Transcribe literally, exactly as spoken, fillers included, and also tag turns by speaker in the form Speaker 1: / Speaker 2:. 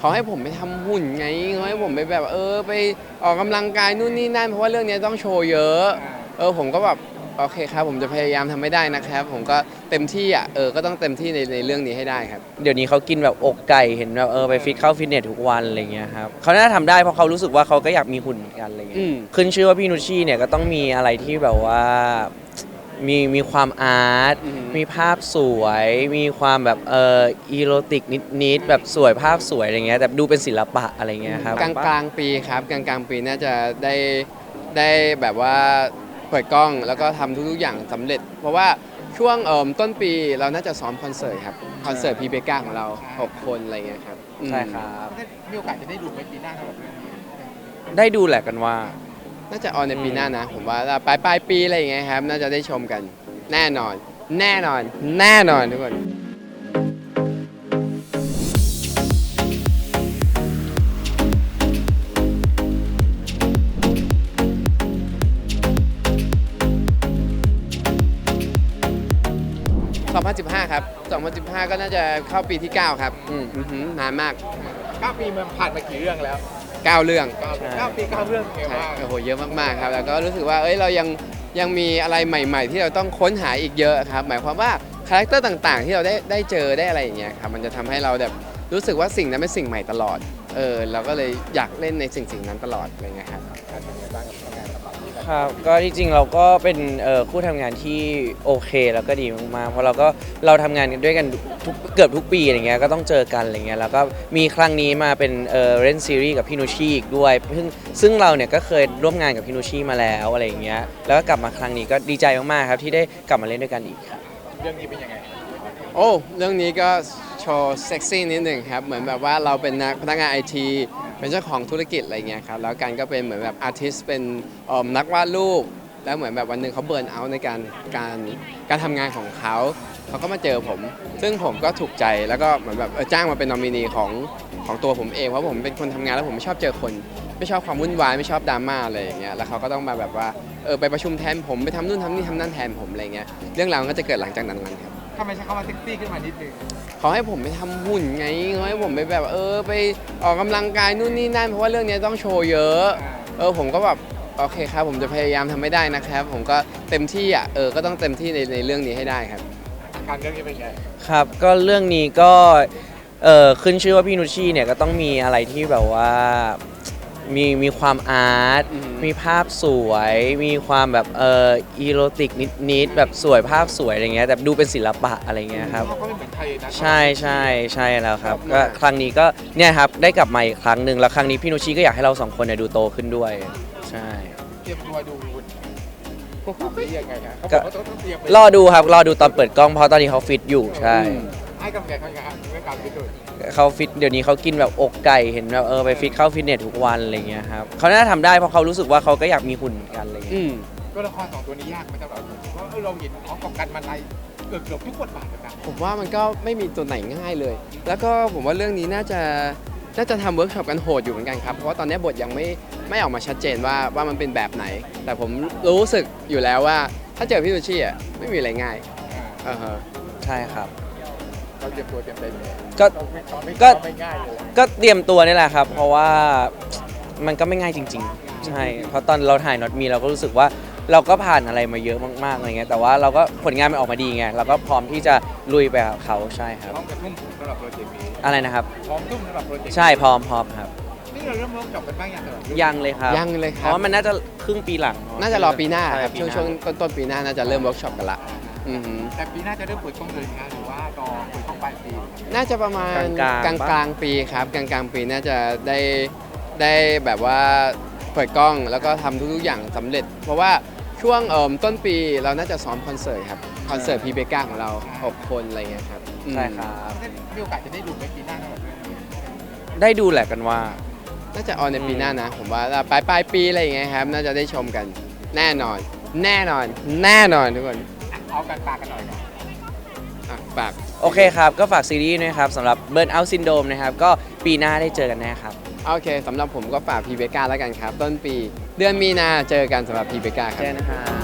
Speaker 1: เขาให้ผมไปทำหุ่นไงเขาให้ผมไปแบบเออไปออกกำลังกายนู่นนี่นั่นเพราะว่าเรื่องนี้ต้องโชว์เยอะเออผมก็แบบโอเคครับผมจะพยายามทำให้ได้นะครับผมก็เต็มที่อ่ะเออก็ต้องเต็มที่ในในเรื่องนี้ให้ได้ครับเดี๋ยวนี้เขากินแบบอกไก่เห็นแบบเออไปฟิตเข้าฟิตเนสทุกวันอะไรเงี้ยครับเขาน่าจะทำได้เพราะเขารู้สึกว่าเขาก็อยากมีหุ่นเหมือนกันอะไรเงี้ยขึ้นชื่อว่าพี่นุชชี่เนี่ยก็ต้องมีอะไรที่แบบว่ามีมีความอาร์ตมีภาพสวยมีความแบบเอออีโรติกนิดๆแบบสวยภาพสวยอะไรเงี้ยแต่ดูเป็นศิลปะอะไรเงี้ยครับกลางกลางปีครับกลางกลางปีน่าจะได้ได้แบบว่าเปิดกล้องแล้วก็ทำทุกๆอย่างสำเร็จเพราะว่าช่วงเอ่อต้นปีเราน่าจะซ้อมคอนเสิร์ตครับคอนเสิร์ตพีเบก้าของเราหกคนอะไรเงี้ยครับใช่ครับ
Speaker 2: มีโอกาสจะได้ดูไหมปีหน้าครับ
Speaker 1: ได้ดูแหละกันว่าน่าจะออนในปีหน้านะผมว่าปลายปลายปีอะไรอย่างเงี้ยครับน่าจะได้ชมกันแน่นอนแน่นอนแน่นอนทุกคนสองพันสิบห้าครับสองพันสิบห้าก็น่าจะเข้าปีที่เก้าครับอืมนานมาก
Speaker 2: เก้าปีมันผ่านมากี่เรื่องแล้ว
Speaker 1: เก้าเรื่อง
Speaker 2: เก้าปีเก้าเรื่องเยอะมาก
Speaker 1: โอ้โหเยอะมากๆครับแล้วก็รู้สึกว่าเอ้ยเรายังยังมีอะไรใหม่ๆที่เราต้องค้นหาอีกเยอะครับหมายความว่าคาแรคเตอร์ต่างๆที่เราได้ได้เจอได้อะไรอย่างเงี้ยครับมันจะทำให้เราแบบรู้สึกว่าสิ่งนั้นเป็นสิ่งใหม่ตลอดเออเราก็เลยอยากเล่นในสิ่งสิ่งนั้นตลอดอะไรเงี้ยครับครับก็ที่จริงเราก็เป็นคู่ทำงานที่โอเคแล้วก็ดีมากๆเพราะเราก็เราทำงานกันด้วยกันทุกเกือบทุกปีอะไรเงี้ยก็ต้องเจอกันอะไรเงี้ยแล้วก็มีครั้งนี้มาเป็นเอ่อเล่นซีรีส์กับพี่นุชชี่อีกด้วยซึ่งซึ่งเราเนี่ยก็เคยร่วมงานกับพี่นุชชี่มาแล้วอะไรอย่างเงี้ยแล้วก็กลับมาครั้งนี้ก็ดีใจมากๆครับที่ได้กลับมาเล่นด้วยกันอีกครับ
Speaker 2: เรื่องนี้เป็นยังไง
Speaker 1: โอ้เรื่องนี้ก็โชว์เซ็กซี่นิดหนึ่งครับเหมือนแบบว่าเราเป็นนักพนักงานไอทีเป็นเจ้าของธุรกิจอะไรเงี้ยครับแล้วกันก็เป็นเหมือนแบบอาร์ติสเป็นนักวาดรูปแล้วเหมือนแบบวันหนึ่งเขาเบิร์นเอาท์ในการการการทำงานของเขาเขาก็มาเจอผมซึ่งผมก็ถูกใจแล้วก็เหมือนแบบจ้างมาเป็นนอมินีของของตัวผมเองเพราะผมเป็นคนทำงานแล้วผมไม่ชอบเจอคนไม่ชอบความวุ่นวายไม่ชอบดราม่าอะไรอย่างเงี้ยแล้วเขาก็ต้องมาแบบว่าเออไปประชุมแทนผมไปทำนู่นทำนี่ทำนั่นแทนผมอะไรเงี้ยเรื่องราวก็จะเกิดหลังจากนั้นครับ
Speaker 2: ทำไมใช้คำว่าเซ็กซี่ขึ้นมานิดนึง
Speaker 1: เขาให้ผมไปทำหุ่นไงเขาให้ผมไปแบบเออไปออกกำลังกายนู่นนี่นั่นเพราะว่าเรื่องนี้ต้องโชว์เยอะเออผมก็แบบโอเคครับผมจะพยายามทำให้ได้นะครับผมก็เต็มที่อ่ะเออก็ต้องเต็มที่ในในเรื่องนี้ให้ได้ครับ
Speaker 2: การเรื่องนี้เป็นไง
Speaker 1: ครับก็เรื่องนี้ก็เออขึ้นชื่อว่าพี่นุชชี่เนี่ยก็ต้องมีอะไรที่แบบว่ามีมีความอาร์ตมีภาพสวยมีความแบบเอออีโรติกนิดๆแบบสวยภาพสวยอะไรเงี้ยแต่ดูเป็นศิลปะอะไรเงี้ยครับใช่ใช่ใช่แล้วครับก็ครั้งนี้ก็เนี่ยครับได้กลับมาอีกครั้งหนึ่งแล้วครั้งนี้พี่นุชชี่ก็อยากให้เราสองคนเนี่ยดูโตขึ้นด้วยใช่
Speaker 2: เตรียมตัวดูยังไงครับ
Speaker 1: ก็รอดูครับรอดูตอนเปิดกล้องเพราะตอนนี้เขาฟิตอยู่ใช่
Speaker 2: ให้กำลังใจเขาอย่างเรื่องการฟิตด้วย
Speaker 1: เขาฟิตเดี๋ยวนี้เขากินแบบอกไก่เห็นแบบเออไปฟิตเข้าฟิตเนสทุกวันอะไรเงี้ยครับเขาน่าจะทำได้เพราะเขารู้สึกว่าเขาก็อยากมีหุ่นเหมือนกันอะไรเงี้ย
Speaker 2: ตัวละครสองตัวนี้ยากไหมสำหรับผมเพราะเราเห็นเขากับกันมาในเกือบเกือบทุกบทบาทเลยนะ
Speaker 1: ผมว่ามันก็ไม่มีตัวไหนง่ายเลยแล้วก็ผมว่าเรื่องนี้น่าจะน่าจะทำเวิร์กช็อปกันโหดอยู่เหมือนกันครับเพราะว่าตอนนี้บทยังไม่ไม่ออกมาชัดเจนว่าว่ามันเป็นแบบไหนแต่ผมรู้สึกอยู่แล้วว่าถ้าเจอพี่นุชชี่อ่ะไม่มีอะไรง่ายอ่าฮะใช่ครับ
Speaker 2: เราเตรียมตัวเตรียมใจ
Speaker 1: ก็ก็ก็เตรียมตัวนี่แหละครับเพราะว่ามันก็ไม่ง่ายจริงๆใช่เพราะตอนเราถ่ายน็อตมีเราก็รู้สึกว่าเราก็ผ่านอะไรมาเยอะมากๆอะไรเงี้ยแต่ว่าเราก็ผลงานมันออกมาดีไงเราก็พร้อมที่จะลุยไปกับเขาใช่ครับ
Speaker 2: พร้อมกับทุ่มสำหรับโปรเจกต์นี้
Speaker 1: อะไรนะครับ
Speaker 2: พร้อมทุ่มสำหรับโปรเจกต์
Speaker 1: ใช่พร้อมพร้อมครับ
Speaker 2: นี่เราเริ่มเวิร์กช็อปกันบ้างยัง
Speaker 1: ยังเลยครับยังเลยครับเพราะมันน่าจะครึ่งปีหลังน่าจะรอปีหน้าครับช่วงช่วงต้นต้นปีหน้าน่าจะเริ่มเวิร์กช็อปกันละ
Speaker 2: แต่ปีหน้าจะเริ่มเปิดกล้องเลยนะหรือว่ารอเปิดกล้องปลายปี
Speaker 1: น่าจะประมาณกลางกลางปีครับกลางกลางปีน่าจะได้ได้แบบว่าเปิดกล้องแล้วก็ทำทุกๆอย่างสำเร็จเพราะว่าช่วงเอ่อต้นปีเราน่าจะซ้อมคอนเสิร์ตครับคอนเสิร์ตพีเบก้าของเราหกคนอะไรเงี้ยครับใช่ครับ
Speaker 2: มีโอกาสจะได้ดูไหมปีหน้าครับ
Speaker 1: ได้ดูแหละกันว่าน่าจะออนในปีหน้านะผมว่าปลายปลายปีอะไรอย่างเงี้ยครับน่าจะได้ชมกันแน่นอนแน่นอนแน่นอนทุกคน
Speaker 2: เอากันปากกันหน่อยก่อน
Speaker 1: ฝากโอเคครับก็ฝากซีรีส์นะครับสำหรับ Burn Out Syndrome นะครับก็ปีหน้าได้เจอกันแน่ครับโอเคสำหรับผมก็ฝากพีเบก้าแล้วกันครับต้นปีเดือนมีนาเจอกันสำหรับพีเบก้าครับเจอนะครับ